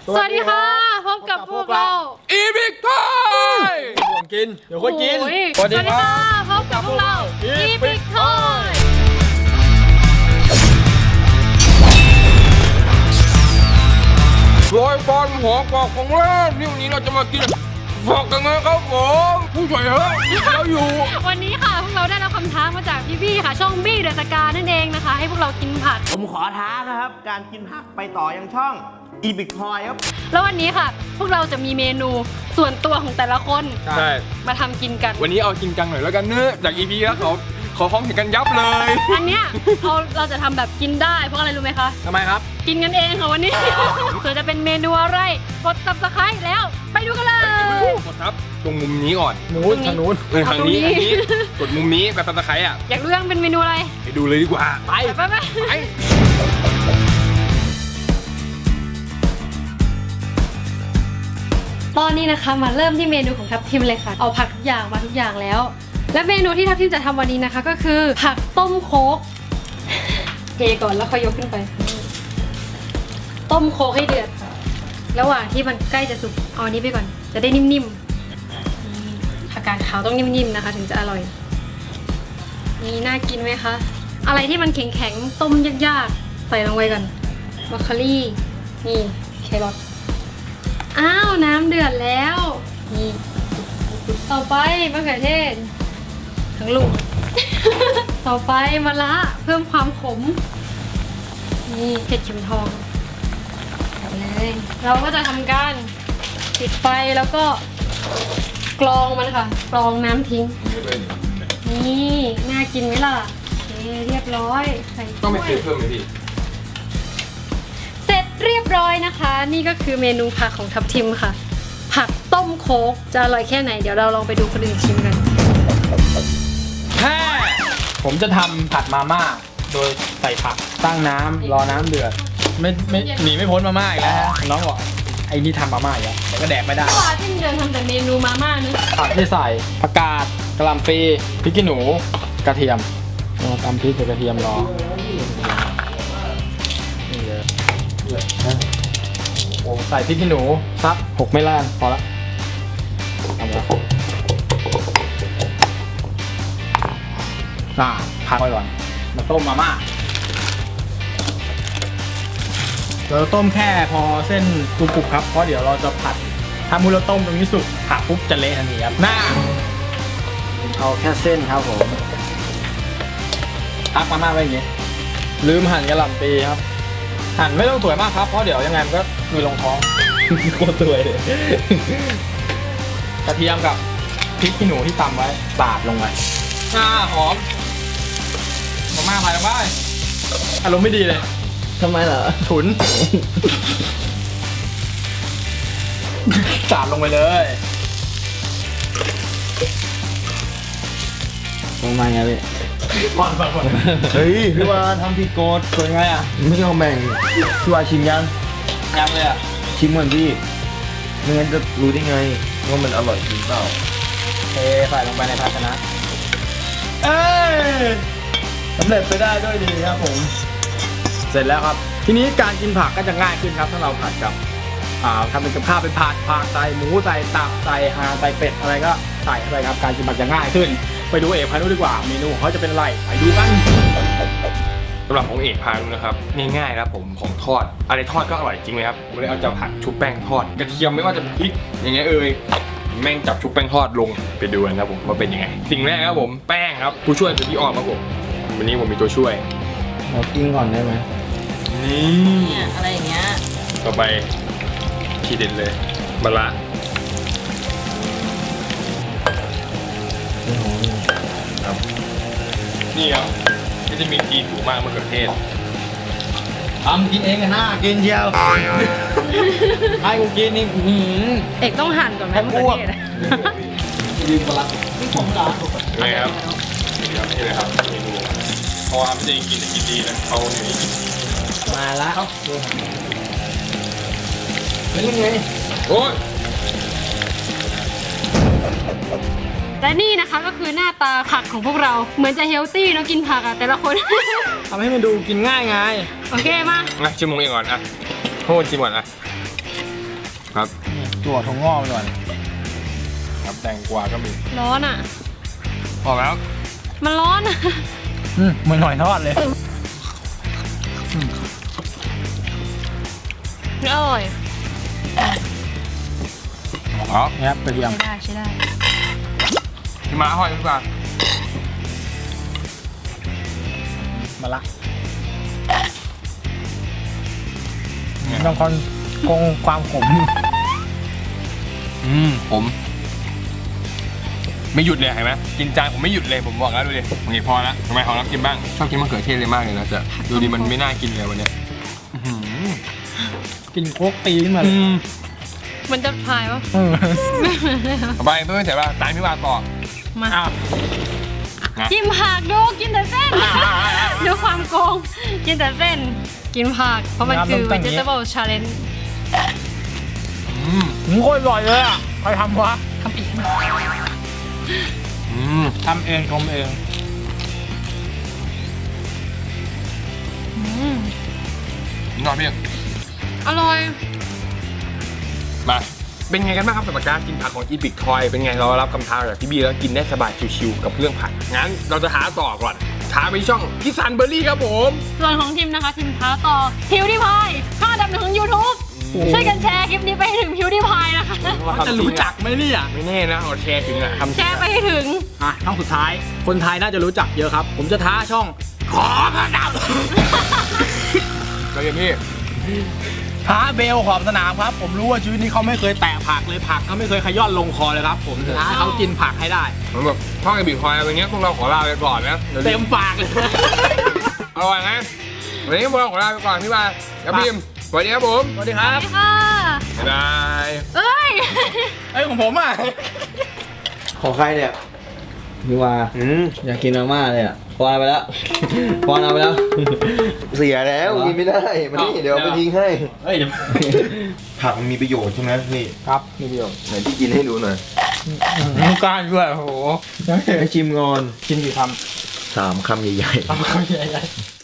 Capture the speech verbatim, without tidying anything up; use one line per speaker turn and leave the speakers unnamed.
สวัสดีค่ะพบกับพวกเราอีพิกทอย
ห่วงกินเดี๋ยวค่อยกิน
สวัสดีค่ะพบกับพวกเราอีพิกทอย
รอยฟันหัวกอกของเล่นนี่วันนี้เราจะมากินฟอกกันนะครับผมผู้ใหญ่เฮ้ยเราอยู่
วันนี้ค่ะพวกเราได้รับคำท้ามาจากพี่ๆค่ะช่องบี้เดอะสกานั่นเองนะคะให้พวกเรากินผัก
ผมขอท้านะครับการกินผักไปต่อยังช่องอีพิกทอยครับ
แล้ววันนี้ค่ะพวกเราจะมีเมนูส่วนตัวของแต่ละคน
ใช่
มาทำกินกัน
วันนี้เอาจริงจังหน่อยแล้วกันเนื้อจาก อี พี แล้วเขาขอห้องเห็นกันยับเลย
อันเนี้ยเราเราจะทำแบบกินได้เพราะอะไรรู้ไหมคะ
ทำไมครับ
กินกันเองค่ะวันนี้ส่วนจะเป็นเมนูอะไรกด ซับสไครบ์ แล้วไปดูกันเลย
กดครับตรงมุมนี้ก่อน
นู้นทางนู้น
ทางนี้ทางนี้กดมุมนี้กับ ซับสไครบ์ อ่ะ
อยากรู้ยังเป็นเมนูอะไร
ไปดูเลยดีกว่า
ไปไปไปตอนนี้นะคะมาเริ่มที่เมนูของทัพทิมเลยค่ะเอาผักทุกอย่างมาทุกอย่างแล้วและเมนูที่ทัพทิมจะทำวันนี้นะคะก็คือผักต้มโค้กเทก่อนแล้วค่อยยกขึ้นไปต้มโค้กให้เดือดระหว่างที่มันใกล้จะสุกเอาอันนี้ไปก่อนจะได้นิ่มๆผักกาดขาวต้องนิ่มๆนะคะถึงจะอร่อยนี่น่ากินไหมคะอะไรที่มันแข็งๆต้มยากๆใส่ลงไปก่อนบรอกโคลี่นี่แครอทอ้าวน้ำเดือดแล้วนี่ต่อไปมะเขือเทศทั้งลูก ต่อไปมะระเพิ่มความขมนี่เห็ดเข็มทองเลยเราก็จะทำการปิดไฟแล้วก็กรองมันค่ะกรองน้ำทิ้งนี่น่ากินไหมล่ะโอเคเรียบร้อยใส่
ต้องไปเพิ่มไหมพี่
เสร็จเรียบร้อยนะคะนี่ก็คือเมนูผักของทัพทิมค่ะผักต้มโค้กจะอร่อยแค่ไหนเดี๋ยวเราลองไปดูคนอื่นชิมกัน
แค่ผมจะทำผัดมาม่าโดยใส่ผักตั้งน้ำรอน้ำเดือดไม่ไม่หนีไม่พ้นมาม่าอีกแล้วฮะน้องบอกไอ้นี่ทำมาม่าอีกแล้วแต่ก็แดกไม่ได้
ว่าที่เดินทำแต่เมนูมาม่านี่
ผักที่ใส่ผักกาดกะหล่ำปลีพริกขี้หนูกระเทียมตำพริกกับกระเทียมรอโอ้ใส่พริกขี้หนูสักหกไม่ล้านพอละทำแล้วอ่าพักไว้ก่อนมาต้มมาม่าเราต้มแค่พอเส้นกรุบๆครับเพราะเดี๋ยวเราจะผัดถ้ามูเราต้มตรงนี้สุกผักปุ๊บจะเละทันทีครับหน้าเอาแค่เส้นครับผมพักมาม่าไว้อย่างงี้ลืมหั่นกระหล่ำปลีครับหั่นไม่ต้องสวยมากครับเพราะเดี๋ยวยังไงมันก็มีลงท้องโคตรสวยเลยกระเทียมกับพริกขี้หนูที่ตำไว้สาดลงไปอ่าหอมมาม่าไปลงไปอารมณ์ไม่ดีเลย
ทำไมเหรอ
ฉุนสาดลงไปเลย
ทำไมไงพี่
ก่อนก่อน
เฮ้ยพี่วาทำผิดกฎ
เป็นไงอ่ะ
ไม่ยอมแบ่งพี่วาชิมยัง
ยังเลยอ่ะ
ชิมเหมือนพี่ไม่งั้นจะรู้ได้ไงว่ามันอร่อยจริงเปล่า
เทใส่ลงไปในภาชนะเอ้ยสำเร็จไปได้ด้วยดีครับผมเสร็จแล้วครับทีนี้การกินผักก็จะง่ายขึ้นครับถ้าเราผัดกับอ่าทำเป็นกับข้าวเป็นผัดผักใส่หมูใส่ตับใส่ห่านใส่เป็ดอะไรก็ใส่เข้าไปครับการกินผักจะง่ายขึ้นไปดูเอกพานุดีกว่าเมนูของเขาจะเป็นอะไรไปดูกัน
สำหรับของเอกพานุนะครับง่ายๆครับผมของทอดอะไรทอดก็อร่อยจริงไหมครับผมเลยเอาจะผัดชุบแป้งทอดกระเทียมไม่ว่าจะพริกอย่างเงี้ยเอ่ยแม่งจับชุบแป้งทอดลงไปดูกันครับผมว่าเป็นยังไงสิ่งแรกครับผมแป้งครับผู้ช่วยคือพี่ออมครับผมวันนี้ผมมีตัวช่วย
เรากินก่อนได้ไหม
นี่
อะไรอย่างเงี้ย
ต่อไปทีเด็ดเลยมะระครับนี่ครับวิตามินซีสูงมากมะเขือเทศ
ทำกินเองกันนะ
กินเชียว
ให้กูกินนี่
เอกต้องหั่นก่อนไหมมะเขือเทศ
ยืนมะระนี่ผมเหรอ
นี่ครับนี่ครับนี่เลยครับเมนูเพราะว่าไม่ได้กินแต่กินดีนะเขาอยู่นี่
มาละ
เป็นยังไง
โอ้ย
และนี่นะคะก็คือหน้าตาผักของพวกเราเหมือนจะเฮลตี้เนาะกินผักอะแต่ละคน
ทำให้มันดูกินง่ายไง
โอเคมา
อ่ะชิมมงเองก่อนอ่ะโทษชิมก่อนอ่ะครับ
ตัวถั่วงอกไปก่อน
ครับแตงกวาก็มี
ร้อนอ่ะ
พอแล้ว
มันร้อนอ่ะ
อืมเหมือนหอยทอดเลย
อร่อย
อ๋อ
นี่ครับกระเทียม
ใช้ได้ใช้ได้
พี่มาห้อยพี่ปลา
มาละบางคนคงความขม
อืมผม ไม่หยุดเลยเห็นไหมกินจานผมไม่หยุดเลยผมบอกแล้วดูดิโอเคพอละทำไมของเรากินบ้างชอบกินมะเขือเทศเลยมากเลยนะจะดูดิมันไม่น่ากินเลยวันเนี้ยอื้อหือ
กินโคกตีขึ้นมาเล
อื
ย
ม
มันจะพายวะ
อืม
ต่อไปเพื่อนเสร็จป่ะตามพี่วาต่อ
มา
อ้าว
นะ
กินผักดูกินแต่เส้น ดูความโกง กินแต่เส้น กินผัก เพราะมันคือ vegetable challenge
อืม
อืมโคตรอร่อยเลยอ่ะใครทำวะ
ทำเอง
อืม
ทำเองชมเอง
อืม
นอนพี่
อร่อย
มาเป็นไงกันบ้างครับสำหรับการกินผักของอีพิกทอยเป็นไงเรารับคำท้าจากพี่บีแล้วกินได้สบายชิวๆกับเรื่องผักงั้นเราจะท้าต่อก่อนท้าไปช่องพี่ซันเบอร์รี่ครับผม
ส่วนของทีมนะคะทีมท้าต่อพิวดิพายข้าดับหนึ่งของ YouTube ช่วยกันแชร์คลิปนี้ไปให้ถึงพิวดิพายนะคะ
จะรู้จักไหมเนี่ย
ไม่แน่นะเอาแชร์ถึงอะทำ
แชร์ไปให้ถึง
อ่ะช่องสุดท้าย คนไทยน่าจะรู้จักเยอะครับ ผมจะท้าช่อง
ขอพระดับเราอย่างนี้
ท้าเบลขอบสนามครับ ผมรู้ว่าชีวิตนี้เขาไม่เคยแตะผักเลยผักเขาไม่เคยขย้อนลงคอเลยครับ ผมจะท้าให้เขากินผักให้ได้
เหมือนแบบช่องอีพิกทอยอะไรเงี้ยพวกเราขอลาไปก่อนนะดี๋ยว
เต็มปากเลย
อร่อยไงวันนี้พวกเราขอลาไปก่อนพี่บายกับพี่มสวัสดีครับผม
สวัสดีครับ
สวัสดีค่ะ
บ๊ายบาย
เอ้ย
เอ้ยของผมอ่ะ
ของใครเนี่ย
พี่ว่า
อืม
อยากกินมาม่าเลยอ่ะปอนเอาไปแล้ว ปอนเอาไปแล้ว
เสียแล้วกินไม่ได้มันนี่
เอา
เดี๋ยวเอาไปทิ้งให้
เฮ้ยเดี๋ยว
ผักมันมีประโยชน์ใช่ไหมนี่
ครับมีประโยชน์
ไหนที่กินให้ดูหน่อย
น้ำกล้ารด้วยโอ้โห
ให้ชิมงอน
กินกี่ค
สามคำใหญ่
ำคำใหญ่